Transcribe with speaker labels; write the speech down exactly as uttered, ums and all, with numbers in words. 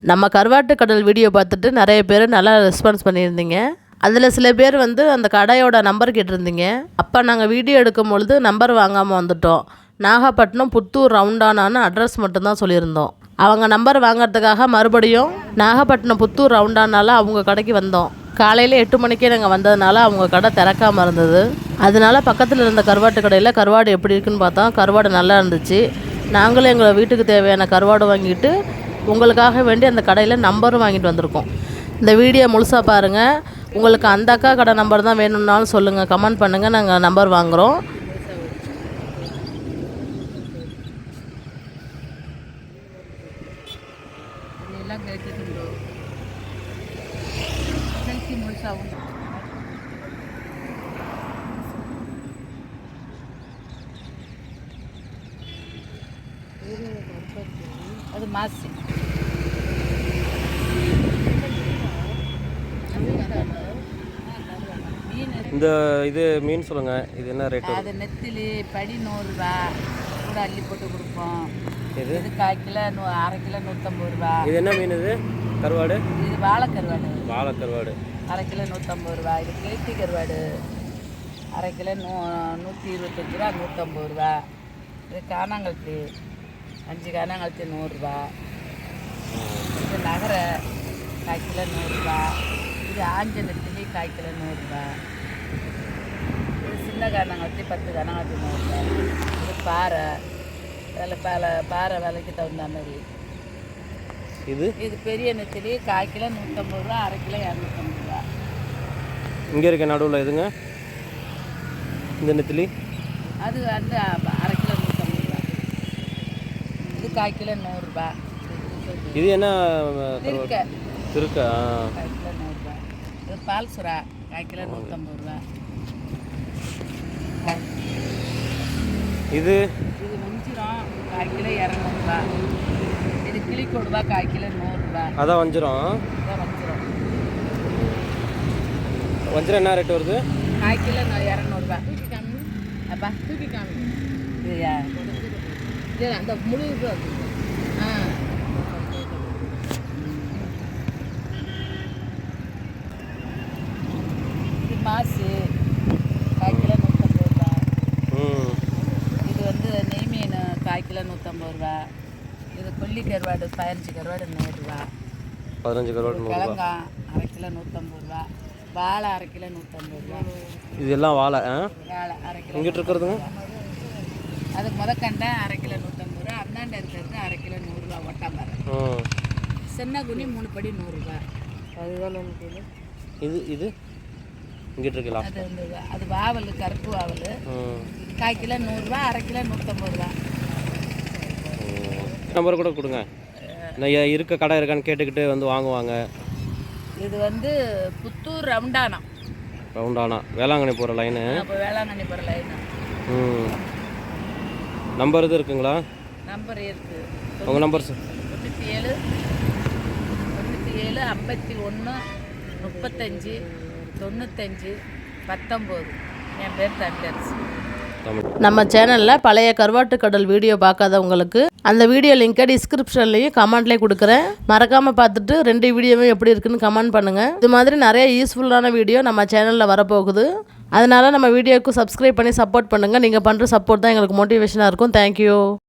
Speaker 1: நம்ம கருவாட்டு கடல் வீடியோ பார்த்துட்டு நிறைய பேர் நல்லா ரெஸ்பான்ஸ் பண்ணியிருந்தீங்க. அதில் சில பேர் வந்து அந்த கடையோட நம்பர் கேட்டிருந்தீங்க. அப்போ நாங்கள் வீடியோ எடுக்கும் பொழுது நம்பர் வாங்காமல் வந்துட்டோம். நாகப்பட்டினம் புத்தூர் ரவுண்டானான்னு அட்ரஸ் மட்டும்தான் சொல்லியிருந்தோம். அவங்க நம்பர் வாங்கிறதுக்காக மறுபடியும் நாகப்பட்டினம் புத்தூர் ரவுண்டானால அவங்க கடைக்கு வந்தோம். காலையில் எட்டு மணிக்கே நாங்கள் வந்ததுனால அவங்க கடை திறக்காமல் இருந்தது. அதனால பக்கத்தில் இருந்த கருவாட்டு கடையில் கருவாடு எப்படி இருக்குன்னு பார்த்தோம். கருவாடு நல்லா இருந்துச்சு. நாங்களும் எங்களை வீட்டுக்கு தேவையான கருவாடு வாங்கிட்டு உங்களுக்காக வேண்டி அந்த கடையில் நம்பரும் வாங்கிட்டு வந்திருக்கோம். இந்த வீடியோ முழுசாக பாருங்கள். உங்களுக்கு அந்த அக்கா கடை நம்பர் தான் வேணும்னாலும் சொல்லுங்கள், கமெண்ட் பண்ணுங்கள், நாங்கள் நம்பர் வாங்குகிறோம்.
Speaker 2: அது மாசி
Speaker 3: இந்த இது மீன் சொல்லுங்க, இது என்ன ரேட்?
Speaker 2: அது நெத்திலி படி நூறுரூவா கூட அள்ளி போட்டு கொடுப்போம்.
Speaker 3: இது
Speaker 2: இது கால் கிலோ நூ அரை கிலோ நூற்றம்பது ரூபா.
Speaker 3: இது என்ன மீன்? இது கருவாடு.
Speaker 2: இது வாழை கருவாடு.
Speaker 3: வாழை கருவாடு
Speaker 2: அரை கிலோ நூற்றம்பது ரூபா. இது கிளேத்தி கருவாடு அரை கிலோ நூ நூற்றி இருபத்தஞ்சி ரூபா நூற்றம்பது ரூபா. இது காணாங்கழுத்தி அஞ்சு காணாங்கழுத்தி நூறுரூவா. இது நகரை கால் கிலோ நூறுரூவா. இது ஆஞ்ச நெத்திலி கால் கிலோ நூறுரூவா. இது சின்ன காணாங்கழுத்தி பத்து காணாங்கழுத்தி நூறுரூவா. இது பாறை விலை பாலை பாறை விலைக்கு தகுந்த மாதிரி.
Speaker 3: இது
Speaker 2: இது பெரிய நெத்திலி கால் கிலோ நூற்றம்பது ரூபா, அரை கிலோ இரநூத்தம்பது ரூபா.
Speaker 3: இங்கே இருக்க நடுவில் எதுங்க இந்த நெத்திலி?
Speaker 2: அது வந்து அரை கிலோ நூற்றம்பது ரூபா. இது கால் கிலோ நூறுரூபா.
Speaker 3: இது என்ன?
Speaker 2: திருக்க
Speaker 3: திருக்கா
Speaker 2: கால் கிலோ நூறுரூவா. இது பால் சுறா கால் கிலோ நூற்றம்பது ரூபா.
Speaker 3: இது
Speaker 2: இது வஞ்சிரம் கால் கிலோ இரநூறுபா. இது கிளி கொடுவா கால் கிலோ நூறுரூவா.
Speaker 3: அதான் வஞ்சிரம்.
Speaker 2: இதான் வஞ்சிரம்.
Speaker 3: வஞ்சிரம் என்ன ரேட் வருது?
Speaker 2: கால் கிலோ இரநூறுபா. தூக்கி காமி அப்பா, தூக்கி காமி. இதுயா இது அந்த முழு இது ஆ இது மாசு கால் கிலோ நூற்றம்பது ரூபா. இது வந்து நெய் மீன் கால் கிலோ நூற்றம்பது ரூபா. இது கொல்லி கருவாடு பதினஞ்சு கருவாடு நூறுரூவா.
Speaker 3: பதினஞ்சு கருவாடு
Speaker 2: கிழங்கா அரை கிலோ நூற்றம்பது ரூபா. வாழை அரை கிலோ நூற்றம்பது ரூபா.
Speaker 3: இது எல்லாம் வாழை.
Speaker 2: வாழை அரை கிலோ.
Speaker 3: இங்கிட்டு இருக்கிறதுங்க
Speaker 2: அது முதக்கண்டை அரை கிலோ நூற்றம்பது ரூபா. அந்தாண்ட இருக்கிறது அரை கிலோ நூறுரூவா. ஒட்டாம்பரை சின்ன குனி மூணு படி நூறுரூவா. அதுதான்
Speaker 3: இது இது இங்கிட்டு இருக்கலாம்.
Speaker 2: அது வந்து அது வாவல் கருப்பு வாவல் கால் கிலோ நூறுரூவா, அரை கிலோ நூற்றம்பது ரூபா.
Speaker 3: நம்பர் கூட கொடுங்க, நான் இருக்க கடை இருக்கான்னு கேட்டுக்கிட்டு வந்து வாங்குவாங்க.
Speaker 2: இது வந்து புத்தூர் ரவுண்டானா.
Speaker 3: ரவுண்டானா வேளாங்கண்ணி போகிற லைனு.
Speaker 2: அப்போ வேளாங்கண்ணி போகிற லைனு.
Speaker 3: ம் நம்பர் இது இருக்குங்களா?
Speaker 2: நம்பர் இருக்குது.
Speaker 3: உங்கள் நம்பர் சார்?
Speaker 2: தொண்ணூற்றி ஏழு தொண்ணூற்றி ஏழு ஐம்பத்தி ஒன்று முப்பத்தஞ்சு தொண்ணூத்தஞ்சு பத்தொம்போது. என் பேர் தமிழரசு.
Speaker 1: நம்ம சேனலில் பழைய கருவாட்டு கடல் வீடியோ பார்க்காதவங்களுக்கு அந்த வீடியோ லிங்கை டிஸ்கிரிப்ஷன்லேயும் கமெண்ட்லேயும் கொடுக்குறேன். மறக்காமல் பார்த்துட்டு ரெண்டு வீடியோவும் எப்படி இருக்குன்னு கமெண்ட் பண்ணுங்கள். இது மாதிரி நிறைய யூஸ்ஃபுல்லான வீடியோ நம்ம சேனலில் வரப்போகுது. அதனால் நம்ம வீடியோவுக்கு சப்ஸ்கிரைப் பண்ணி சப்போர்ட் பண்ணுங்கள். நீங்கள் பண்ணுற சப்போர்ட் தான் எங்களுக்கு மோட்டிவேஷனாக இருக்கும். தேங்க்யூ.